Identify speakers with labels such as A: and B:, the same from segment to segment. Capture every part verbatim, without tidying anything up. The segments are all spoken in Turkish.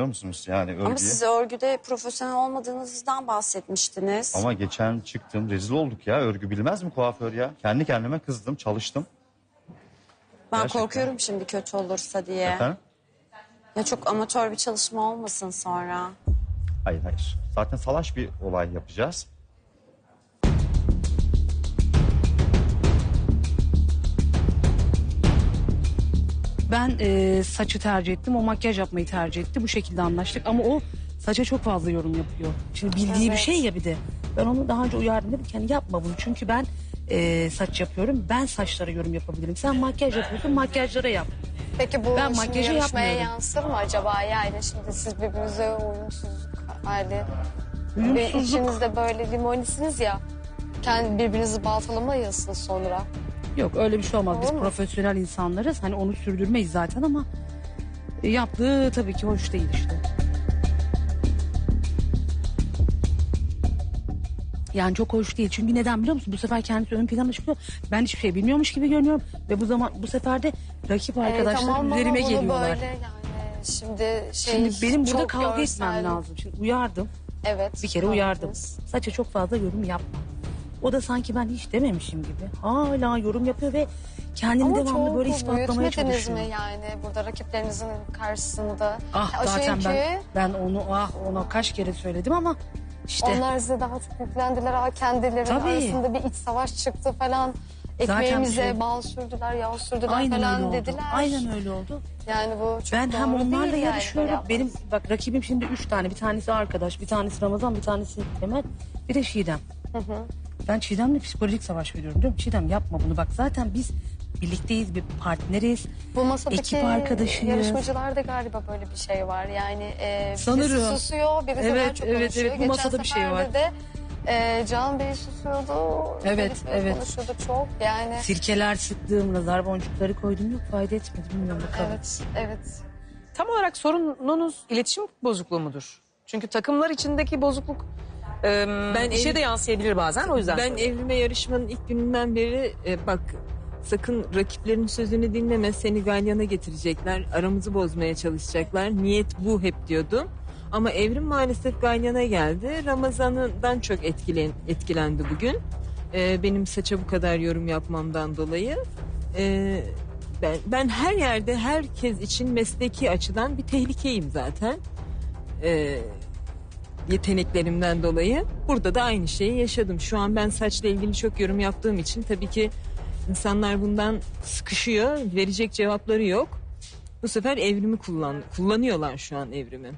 A: musunuz yani örgüye?
B: Ama siz örgüde profesyonel olmadığınızdan bahsetmiştiniz.
A: Ama geçen çıktım rezil olduk ya. Örgü bilmez mi kuaför ya? Kendi kendime kızdım, çalıştım.
B: Ben
A: Gerçekten.
B: korkuyorum şimdi kötü olursa diye.
A: Efendim?
B: Ya çok amatör bir çalışma olmasın sonra.
A: Hayır hayır. Zaten salaş bir olay yapacağız.
C: Ben e, saçı tercih ettim. O makyaj yapmayı tercih etti. Bu şekilde anlaştık. Ama o saça çok fazla yorum yapıyor. Şimdi bildiği
B: Evet.
C: bir şey ya bir de. Ben onu daha önce uyardım dedim ki hani yapma bunu. Çünkü ben e, saç yapıyorum. Ben saçlara yorum yapabilirim. Sen makyaj yapıyorsun, makyajlara yap.
D: Peki bu
C: Ben
D: şimdi
C: makyajı
D: yarışmaya
C: yapmıyorum.
D: yansır mı acaba? Yani şimdi siz birbirinize uyumsuzluk hali. Ve
C: Uyumsuzluk.
D: içinizde böyle limonisiniz ya. Kendi birbirinizi baltalamayasın sonra.
C: Yok öyle bir şey olmaz. Biz
D: Olur mu?
C: profesyonel insanlarız. Hani onu sürdürmeyiz zaten ama e, yaptığı tabii ki hoş değil işte. Yani çok hoş değil. Çünkü neden biliyor musun? Bu sefer kendisi ön plana çıkıyor. Ben hiçbir şey bilmiyormuş gibi görünüyorum. Ve bu zaman bu sefer de rakip arkadaşlarım
D: Ee, tamam ama
C: üzerime
D: bunu
C: geliyorlar.
D: Böyle yani şimdi şey
C: Şimdi benim burada
D: çok
C: kavga
D: görsel.
C: etmem lazım. Şimdi uyardım.
D: Evet.
C: Bir kere
D: kavga
C: uyardım.
D: ettiniz.
C: Saça çok fazla yorum yapma. O da sanki ben hiç dememişim gibi. Hala yorum yapıyor ve kendini
D: Ama
C: devamlı
D: çok
C: böyle ispatlamaya
D: büyütmediniz
C: çalışıyor.
D: mi yani burada rakiplerinizin karşısında?
C: Ah
D: Ya
C: zaten
D: çünkü
C: ben, ben onu ah ona kaç kere söyledim ama işte
D: onlar size daha çok yüklendiler. Ha, kendilerinin
C: Tabii.
D: arasında bir iç savaş çıktı falan.
C: Zaten
D: Ekmeğimize
C: bir şey-
D: bal sürdüler, yağ sürdüler
C: aynen öyle
D: falan
C: oldu.
D: dediler.
C: Aynen öyle oldu.
D: Yani bu çok
C: Ben hem
D: doğru
C: onlarla
D: değil yani
C: yarışıyorum.
D: böyle
C: Benim
D: yapmanız.
C: bak rakibim şimdi üç tane. Bir tanesi arkadaş, bir tanesi Ramazan, bir tanesi Temel, bir de Çiğdem. Ben Çiğdem'le psikolojik savaş veriyorum diyorum. Çiğdem yapma bunu bak zaten biz birlikteyiz, bir partneriz.
D: Bu masadaki
C: ekip arkadaşıyız.
D: yarışmacılarda galiba böyle bir şey var. Yani e,
C: Sanırım.
D: birisi susuyor, birisi
C: Evet,
D: daha çok
C: evet,
D: konuşuyor.
C: evet, bu masada bir şey
D: Geçen
C: var.
D: seferde de e, Can Bey susuyordu.
C: Evet,
D: Elif Bey
C: evet.
D: konuşuyordu çok. Yani
C: Sirkeler sıktığım, nazar boncukları koydum yok fayda etmedi bilmiyorum bakalım.
D: evet, evet.
E: Tam olarak sorununuz iletişim bozukluğu mudur? Çünkü takımlar içindeki bozukluk e,
F: Ben
E: işe
F: ev-
E: de yansıyabilir bazen o yüzden.
F: Ben
E: soruyorum.
F: evlime yarışmanın ilk gününden beri e, bak sakın rakiplerin sözünü dinleme, seni galyana getirecekler, aramızı bozmaya çalışacaklar. Niyet bu hep diyordum. Ama evrim maalesef galyana geldi. Ramazan'dan çok etkilen, etkilendi bugün. E, benim saça bu kadar yorum yapmamdan dolayı. E, ben, ben her yerde herkes için mesleki açıdan bir tehlikeyim zaten. E, yeteneklerimden dolayı. Burada da aynı şeyi yaşadım. Şu an ben saçla ilgili çok yorum yaptığım için tabii ki insanlar bundan sıkışıyor. Verecek cevapları yok. Bu sefer evrimi kullan kullanıyorlar şu an evrimi.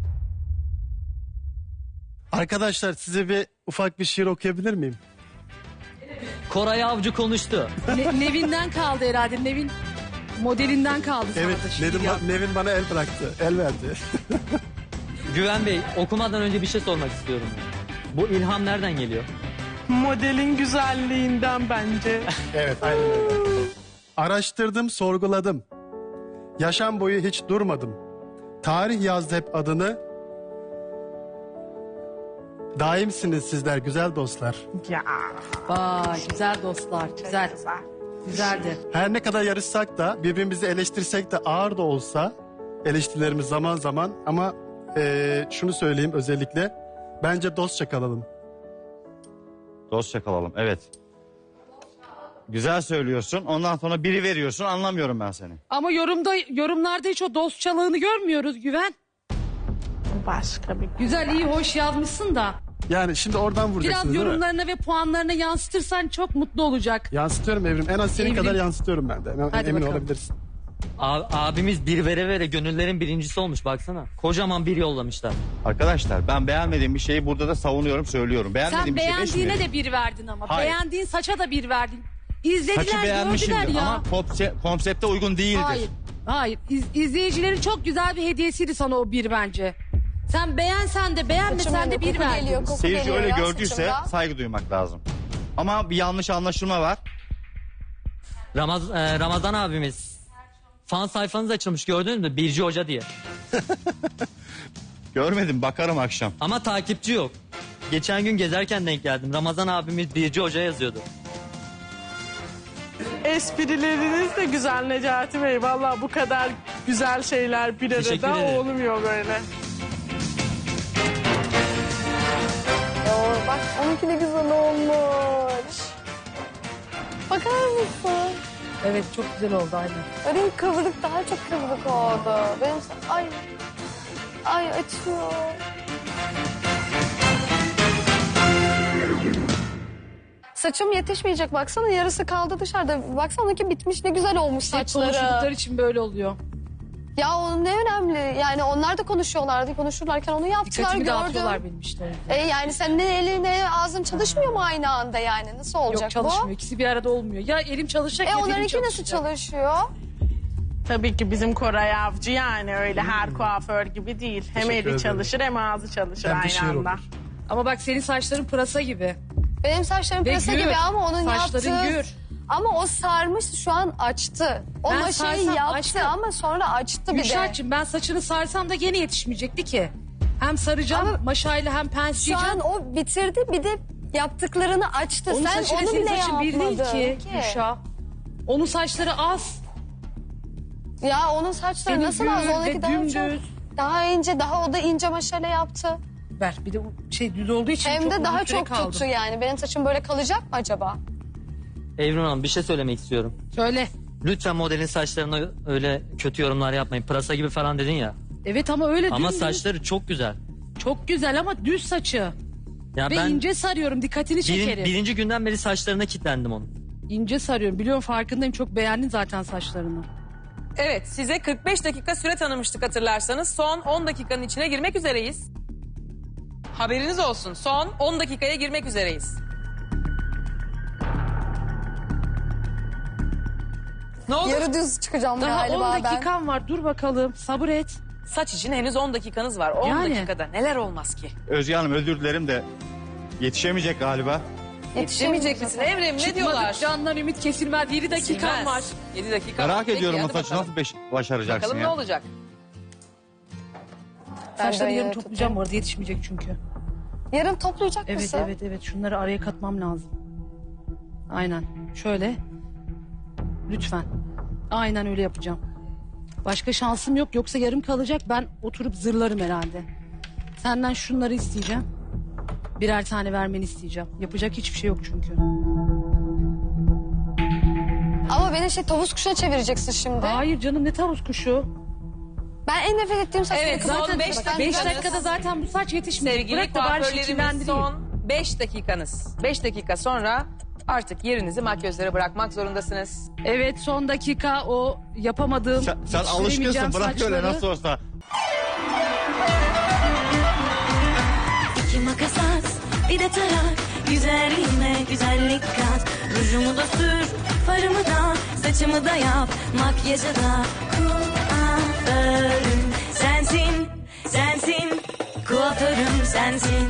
G: Arkadaşlar size bir ufak bir şiir okuyabilir miyim?
H: Koray Avcı konuştu.
C: Ne- Nevin'den kaldı herhalde. Nevin modelinden kaldı sana
G: Evet,
C: da şiir
G: Nevin,
C: ya.
G: Nevin bana el bıraktı, el verdi.
H: Güven Bey, okumadan önce bir şey sormak istiyorum. Bu ilham nereden geliyor?
I: Modelin güzelliğinden bence.
G: Evet, aynen öyle. Araştırdım, sorguladım. Yaşam boyu hiç durmadım. Tarih yazdı hep adını. Daimsiniz sizler güzel dostlar.
I: Ya.
C: Vay güzel dostlar güzel. Güzeldi.
G: Her ne kadar yarışsak da birbirimizi eleştirsek de ağır da olsa eleştirilerimiz zaman zaman ama eee, şunu söyleyeyim özellikle bence dostça kalalım.
A: Dostça kalalım evet. Güzel söylüyorsun ondan sonra biri veriyorsun anlamıyorum ben seni.
C: Ama yorumda yorumlarda hiç o dostçalığını görmüyoruz Güven.
I: Başka bir
C: Güzel iyi hoş yazmışsın da.
G: Yani şimdi oradan
C: Biraz
G: vuracaksınız değil mi?
C: yorumlarına ve puanlarına yansıtırsan çok mutlu olacak.
G: Yansıtıyorum Evrim. En az senin
C: Evrim.
G: kadar yansıtıyorum ben de. Emin,
C: Hadi
G: emin
C: bakalım.
G: olabilirsin.
H: A- abimiz bir vere vere gönüllerin birincisi olmuş baksana. Kocaman bir yollamışlar.
A: Arkadaşlar ben beğenmediğim bir şeyi burada da savunuyorum söylüyorum. Beğenmediğim
C: Sen
A: bir şey beş
C: beğendiğine
A: mi?
C: de bir verdin ama.
A: Hayır.
C: Beğendiğin saça da bir verdin.
A: Saçı
C: İzlediler
A: beğenmişimdir
C: gördüler ya.
A: ama konse- konsepte uygun değildir.
C: Hayır. Hayır. İz, izleyicilerin çok güzel bir hediyesiydi sana o bir bence. Sen beğensen de beğenmesen
D: Saçım
C: de
D: yanıyor,
C: bir
D: koku
C: verdin.
D: geliyor, koku
A: Seyirci
D: geliyor
A: öyle
D: ya
A: gördüyse
D: saçımda.
A: saygı duymak lazım. Ama bir yanlış anlaşılma var.
H: Ramaz e, Ramazan abimiz. Fan sayfanız açılmış gördünüz mü? Birci Hoca diye.
A: Görmedim bakarım akşam.
H: Ama takipçi yok. Geçen gün gezerken denk geldim. Ramazan abimiz Birci Hoca yazıyordu.
I: esprileriniz de güzel Necati Bey. Vallahi bu kadar güzel şeyler bir
H: Teşekkür
I: arada
H: ederim.
I: olmuyor böyle.
D: Bak onunki de güzel olmuş. Bakar mısın?
C: Evet çok güzel oldu aynen.
D: Benim kıvrık daha çok kıvrık oldu. Benim ay ay açıyor. Saçım yetişmeyecek baksana yarısı kaldı dışarıda. Baksana onunki bitmiş ne güzel olmuş
C: Hep
D: saçları.
C: konuştukları için böyle oluyor.
D: Ya onun ne önemli yani onlar da konuşuyorlardı konuşurlarken onu yaptılar
C: Dikkatimi
D: gördüm.
C: dağıtıyorlar benim işte. o yüzden.
D: E yani sen ne elin ne ağzın çalışmıyor mu aynı anda yani nasıl olacak
C: Yok çalışmıyor.
D: bu?
C: İkisi bir arada olmuyor. Ya elim çalışacak
D: E
C: ya dilim
D: onlarınki nasıl
C: çalışacak.
D: çalışıyor?
I: Tabii ki bizim Koray Avcı yani öyle her kuaför gibi değil. Hem
G: Teşekkür
I: eli
G: ederim.
I: çalışır hem ağzı çalışır
G: Hem de
I: aynı
G: şiir
I: anda.
G: olur.
C: Ama bak senin saçların pırasa gibi.
D: Benim saçlarım
C: Ve
D: pırasa
C: gür.
D: gibi ama onun
C: Saçların
D: yaptığı...
C: gür.
D: Ama o sarmış şu an açtı. O
C: Ben
D: maşayı
C: sarsam
D: yaptı
C: açtı.
D: ama sonra açtı bir de.
C: Gülşah'cığım ben saçını sarsam da gene yetişmeyecekti ki. Hem saracağım
D: Ama
C: maşayla hem
D: Şu
C: pensleyeceğim.
D: an o bitirdi bir de yaptıklarını açtı.
C: Onun
D: Sen
C: saçıyla
D: onu
C: senin
D: bile
C: saçın bir değil
D: yapmadın
C: ki Gülşah. Onun saçları az.
D: Ya onun saçları
C: Senin
D: nasıl az?
C: gür ve
D: Onunki daha
C: dümdüz.
D: çok. Daha ince, daha o da ince maşayla yaptı.
C: Ver bir de bu şey düz olduğu için
D: Hem
C: çok
D: de
C: uzun
D: daha
C: süre
D: çok
C: kaldım.
D: tuttu yani. Benim saçım böyle kalacak mı acaba?
H: Evrim Hanım bir şey söylemek istiyorum.
C: Söyle.
H: Lütfen modelin saçlarına öyle kötü yorumlar yapmayın. Pırasa gibi falan dedin ya.
C: Evet ama öyle
H: Ama
C: dümdüz.
H: saçları çok güzel.
C: Çok güzel ama düz saçı.
H: Ya
C: Ve
H: ben
C: ince sarıyorum dikkatini
H: birin-
C: çekerim.
H: birinci günden beri saçlarına kilitlendim onun.
C: İnce sarıyorum. Biliyorum farkındayım. Çok beğendin zaten saçlarını.
E: Evet, size kırk beş dakika süre tanımıştık hatırlarsanız. Son on dakikanın içine girmek üzereyiz. Haberiniz olsun. Son on dakikaya girmek üzereyiz. Ne oldu?
D: Yarı düz çıkacağım
C: Daha
D: galiba
C: on
D: ben.
C: dakikam var. Dur bakalım. Sabır et.
E: Saç için henüz on dakikanız var. on
C: Yani.
E: dakikada neler olmaz ki?
A: Özge Hanım özür dilerim de yetişemeyecek galiba.
E: Yetişemeyecek misin? Evrim ne diyorlar?
C: Çıkmadık candan ümit kesilmez. yedi dakikam
E: Silmez.
C: var.
E: yedi dakika var.
A: Merak
E: Peki,
A: ediyorum o
E: hadi
A: saçı
E: bakalım.
A: nasıl beş- başaracaksın
E: Bakalım ne
A: ya.
E: olacak?
D: Ben de
C: Saçları yarın
D: yarı
C: toplayacağım bu arada yetişmeyecek çünkü.
D: Yarın toplayacak
C: Evet
D: mısın?
C: evet evet şunları araya katmam lazım. Aynen şöyle. Lütfen. Aynen öyle yapacağım. Başka şansım yok yoksa yarım kalacak ben oturup zırlarım herhalde. Senden şunları isteyeceğim. Birer tane vermeni isteyeceğim. Yapacak hiçbir şey yok çünkü.
D: Ama beni şey tavus kuşuna çevireceksin şimdi.
C: Hayır canım ne tavus kuşu.
D: Ben en nefret ettiğim saçları
E: Evet, son
D: kıvırcık.
E: beş
D: Ben-
E: dakika-
C: Beş
E: Ben-
C: dakikada zaten bu saç yetişmeyecek.
E: Sevgili
C: Bırak da bari
E: kuaförlerimiz
C: şekillendireyim.
E: son beş dakikanız. beş dakika sonra artık yerinizi makyözlere bırakmak zorundasınız.
C: Evet son dakika o yapamadığım
A: Sen, sen
C: yetiştiremeyeceğim
A: alışkınsın bırak öyle
C: saçları.
A: nasıl olsa.
J: İki makas at, bir de tarak. Güzelliğime güzellik kat. Rujumu da sür, farımı da, saçımı da yap. Makyajı da kuaförüm sensin, sensin. Kuaförüm sensin.